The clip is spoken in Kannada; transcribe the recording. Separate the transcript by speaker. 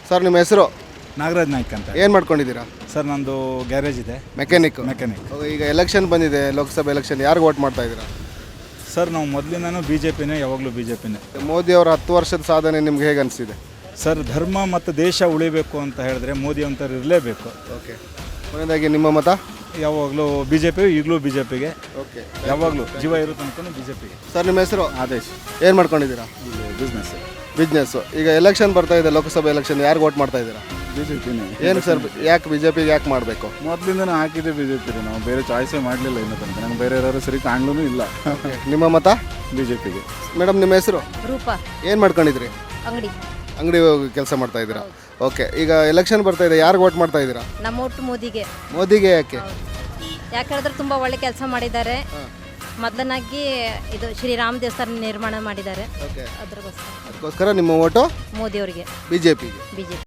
Speaker 1: ಸರ್ ನಿಮ್ಮ ಹೆಸರು?
Speaker 2: ನಾಗರಾಜ್ ನಾಯ್ಕ್ ಅಂತ.
Speaker 1: ಏನು ಮಾಡ್ಕೊಂಡಿದ್ದೀರಾ?
Speaker 2: ಸರ್ ನಂದು ಗ್ಯಾರೇಜ್ ಇದೆ,
Speaker 1: ಮೆಕ್ಯಾನಿಕ್. ಈಗ ಎಲೆಕ್ಷನ್ ಬಂದಿದೆ, ಲೋಕಸಭೆ ಎಲೆಕ್ಷನ್, ಯಾರಿಗೆ ವೋಟ್ ಮಾಡ್ತಾ ಇದ್ದೀರಾ?
Speaker 2: ಸರ್ ನಾವು ಮೊದಲಿಂದನೂ ಬಿ ಜೆ ಪಿನೇ, ಯಾವಾಗಲೂ ಬಿ ಜೆ ಪಿನೇ.
Speaker 1: ಮೋದಿ ಅವರ 10 ವರ್ಷದ ಸಾಧನೆ ನಿಮ್ಗೆ ಹೇಗೆ ಅನಿಸಿದೆ?
Speaker 2: ಸರ್ ಧರ್ಮ ಮತ್ತು ದೇಶ ಉಳಿಬೇಕು ಅಂತ ಹೇಳಿದ್ರೆ ಮೋದಿ ಅಂತವ್ರು ಇರಲೇಬೇಕು.
Speaker 1: ಓಕೆ, ಕೊನೆಯದಾಗಿ ನಿಮ್ಮ ಮತ?
Speaker 2: ಯಾವಾಗಲೂ ಬಿ ಜೆ ಪಿ, ಈಗಲೂ ಬಿ ಜೆ ಪಿಗೆ,
Speaker 1: ಓಕೆ,
Speaker 2: ಯಾವಾಗಲೂ ಜೀವ ಇರೋ ತನಕ ಬಿ ಜೆ ಪಿಗೆ.
Speaker 1: ಸರ್ ನಿಮ್ಮ ಹೆಸರು?
Speaker 2: ಆದೇಶ್.
Speaker 1: ಏನು ಮಾಡ್ಕೊಂಡಿದ್ದೀರಾ? ಬಿಸ್ನೆಸ್ಸು. ಈಗ ಎಲೆಕ್ಷನ್ ಬರ್ತಾ ಇದೆ, ಲೋಕಸಭೆ ಎಲೆಕ್ಷನ್, ಯಾರಿಗೆ ವೋಟ್ ಮಾಡ್ತಾ ಇದ್ದೀರಾ?
Speaker 2: ಬಿ ಜೆ ಪಿನೇ.
Speaker 1: ಏನು ಸರ್, ಯಾಕೆ ಬಿ ಜೆ ಪಿಗೆ ಯಾಕೆ ಮಾಡಬೇಕು?
Speaker 2: ಮೊದಲಿಂದನೂ ಹಾಕಿದ್ದೆ ಬಿ ಜೆ ಪಿಗೆ, ನಾವು ಬೇರೆ ಚಾಯ್ಸೇ ಮಾಡಲಿಲ್ಲ ಇನ್ನೂ ತನಕ. ನಂಗೆ ಬೇರೆ ಯಾರು ಸರಿ ಕಾಣ್ಲೂ ಇಲ್ಲ.
Speaker 1: ನಿಮ್ಮ ಮತ?
Speaker 2: ಬಿ ಜೆ ಪಿಗೆ.
Speaker 1: ಮೇಡಮ್ ನಿಮ್ಮ ಹೆಸರು?
Speaker 3: ರೂಪಾ.
Speaker 1: ಏನು ಮಾಡ್ಕೊಂಡಿದ್ರಿ? ಅಂಗಡಿ ಹೋಗಿ ಕೆಲಸ ಮಾಡ್ತಾ ಇದ್ದೀರಾ? ಓಕೆ, ಈಗ ಎಲೆಕ್ಷನ್ ಬರ್ತಾ ಇದೆ, ಯಾರಿಗೆ ವೋಟ್ ಮಾಡ್ತಾ ಇದ್ದೀರಾ?
Speaker 3: ನಮ್ಮ ಒಟ್ಟು ಮೋದಿಗೆ.
Speaker 1: ಮೋದಿಗೆ ಯಾಕೆ?
Speaker 3: ಯಾಕೆ ಹೇಳಿದ್ರೆ ತುಂಬ ಒಳ್ಳೆ ಕೆಲಸ ಮಾಡಿದ್ದಾರೆ. ಮೊದಲನಾಗಿ ಇದು ಶ್ರೀರಾಮ್ ದೇವಸ್ಥಾನ ನಿರ್ಮಾಣ ಮಾಡಿದ್ದಾರೆ.
Speaker 1: ಓಕೆ,
Speaker 3: ಅದಕ್ಕೋಸ್ಕರ
Speaker 1: ಅದಕ್ಕೋಸ್ಕರ ನಿಮ್ಮ ಓಟು
Speaker 3: ಮೋದಿ ಅವರಿಗೆ,
Speaker 1: ಬಿ ಜೆ ಪಿಗೆ.
Speaker 3: ಬಿಜೆಪಿ.